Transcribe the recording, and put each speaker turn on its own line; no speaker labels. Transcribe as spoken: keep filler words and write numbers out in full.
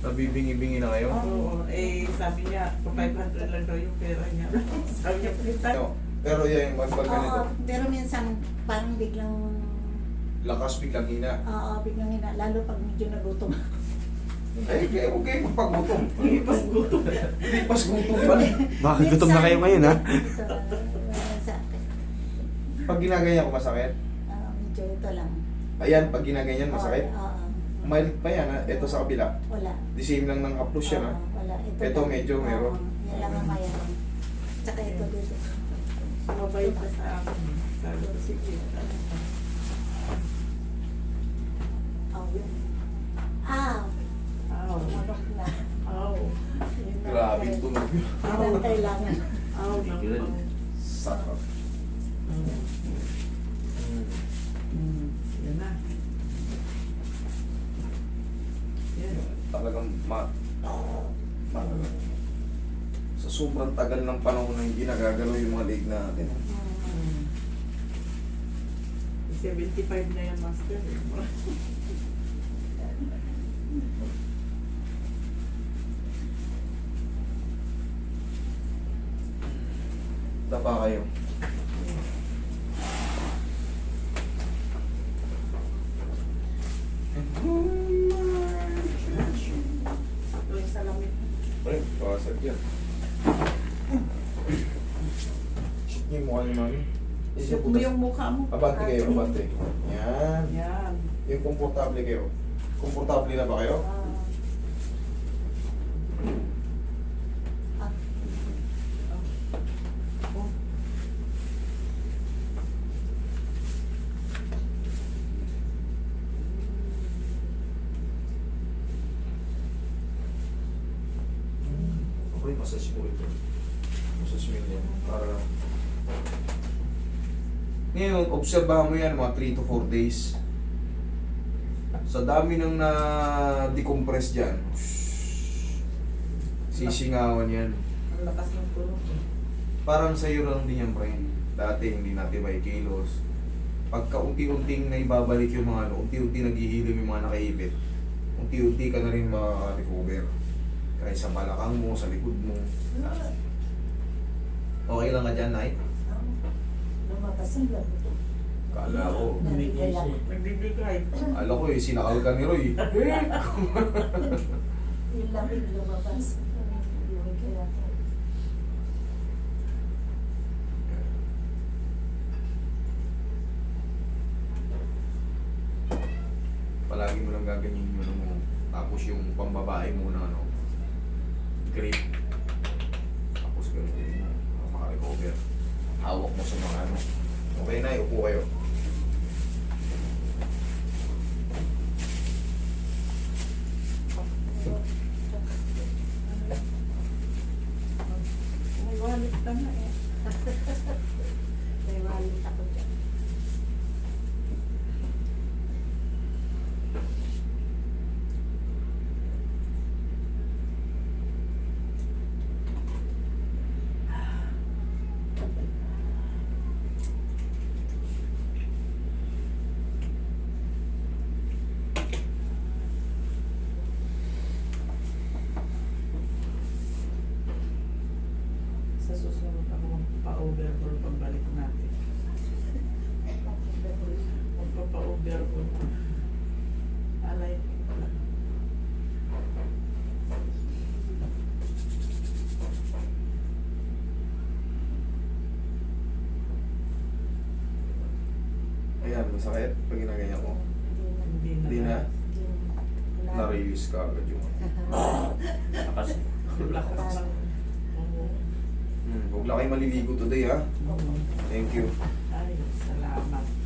Nabibingi-bingi na kayo?
Oo, eh sabi niya, pa five hundred lang daw yung pera niya. Sabi niya, palitan.
No. Pero yan, pag pag ganito,
Oo, pero minsan parang biglang,
lakas biglang hina.
oo, biglang hina, lalo pag medyo nagutom.
Eh, kaya huwag kayo magpagutom.
Hindi pas gutom.
Hindi pas gutom pa.
Baka gutom na kayo ngayon, ha?
Ito, wala sa akin.
Pag ginaganyan ko masakit.
Ah, medyo ito lang.
Ayan, pag ginaganyan masakit.
Oo, oo.
Umalit pa yan, ha? Ito sa kabila.
Wala.
The same lang ng approach yan, ha?
Oo, wala. Ito,
Ito
lang.
medyo
Oo,
meron.
yan lang ang mayroon. Tsaka ito dito.
Sumabay pa sa akin. Sabi ko, sige.
Oh, yun. Ah,
Aw.
manok na.
Aw.
Yun na.
Grabe yung tunog yun.
Yun ang kailangan.
Aw.
Tigil. Sakit.
Hmm. Yan na. Yan.
Talagang ma... ma sa sobrang tagal ng panahon na hindi nagagalaw yung mga leg natin.
Hmm. seventy-five na yan, master.
Tapa kayo.
Ito yung salamin.
Pre, pasag yan. Shoot niyo yung mukha niyo, mami.
Shoot mo yung mukha mo.
Abante kayo, abante. Yan.
Yan.
Yung komportable kayo. Komportable na ba kayo?
Ah,
Oh.
Okay, massage mo ito. Massage mo yan. Para... Ngayon, obserbahan mo yan mga three to four days. Sa dami ng na-decompress dyan, sisingawan yan.
Ang lakas ng tunog.
Parang sa'yo lang din yan, friend. Dati hindi natin may kilos. Pagka unti-unting naibabalik yung mga ano, unti-unti naghihilim yung mga nakaipit, unti-unti ka na rin makaka-recover. Kahit sa balakang mo, sa likod mo. Okay lang ka dyan, Nay?
lumabas ang labo.
Kala ko.
Nabigay ako.
Nagbibigay.
Alam ko eh, sinakal ka ni Roy.
Yung lamig lumabas. Nabigay ako.
Palagi mo lang gaganyin yung ano mo. Tapos yung pambabae mo na ano, grip. Tapos ganun mo, para makarecover. Hawak mo sa mga ano. Okay na, upo kayo.
May wallet ka na eh.
May wallet ako dyan.
Sa susunod ako magpa-overhaul pagbalik natin. Magpapa-overhaul. Alay ko lang.
Ayan, masakit pag ginaganyan ko.
Hindi na.
Hindi na.
Wala.
Na-release ka agad yung lakas.
Lakas ng... Oo.
Hmm, huwag lang kayo maliligo today ha.
Oo.
Thank you.
Ay, salamat.